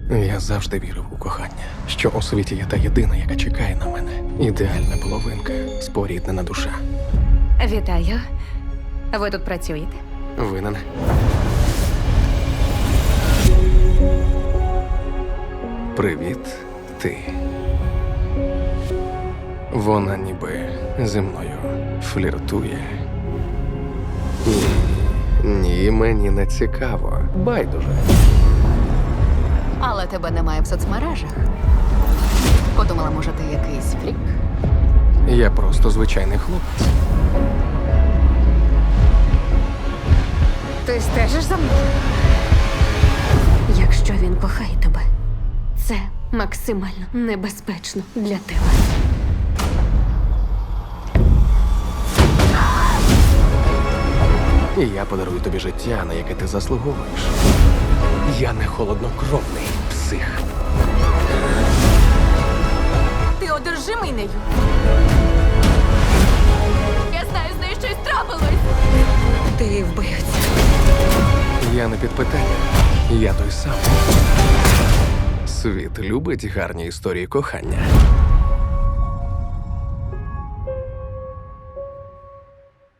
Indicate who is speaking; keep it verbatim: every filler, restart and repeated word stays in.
Speaker 1: Я завжди вірив у кохання, що у світі є та єдина, яка чекає на мене. Ідеальна половинка, споріднена душа.
Speaker 2: Вітаю. Ви тут працюєте?
Speaker 1: Винен. Привіт, ти. Вона ніби зі мною фліртує. Ні, ні, мені не цікаво. Байдуже.
Speaker 3: Але тебе немає в соцмережах. Подумала, може, ти якийсь фрік?
Speaker 1: Я просто звичайний хлопець.
Speaker 2: Ти стежиш за мною? Якщо він кохає тебе, це максимально небезпечно для тебе.
Speaker 1: І я подарую тобі життя, на яке ти заслуговуєш. Я не холоднокровний псих.
Speaker 3: Ти одержимий нею. Я знаю, з нею щось трапилось. Ти вбивця.
Speaker 1: Я не під питання. Я той самий. Світ любить гарні історії кохання.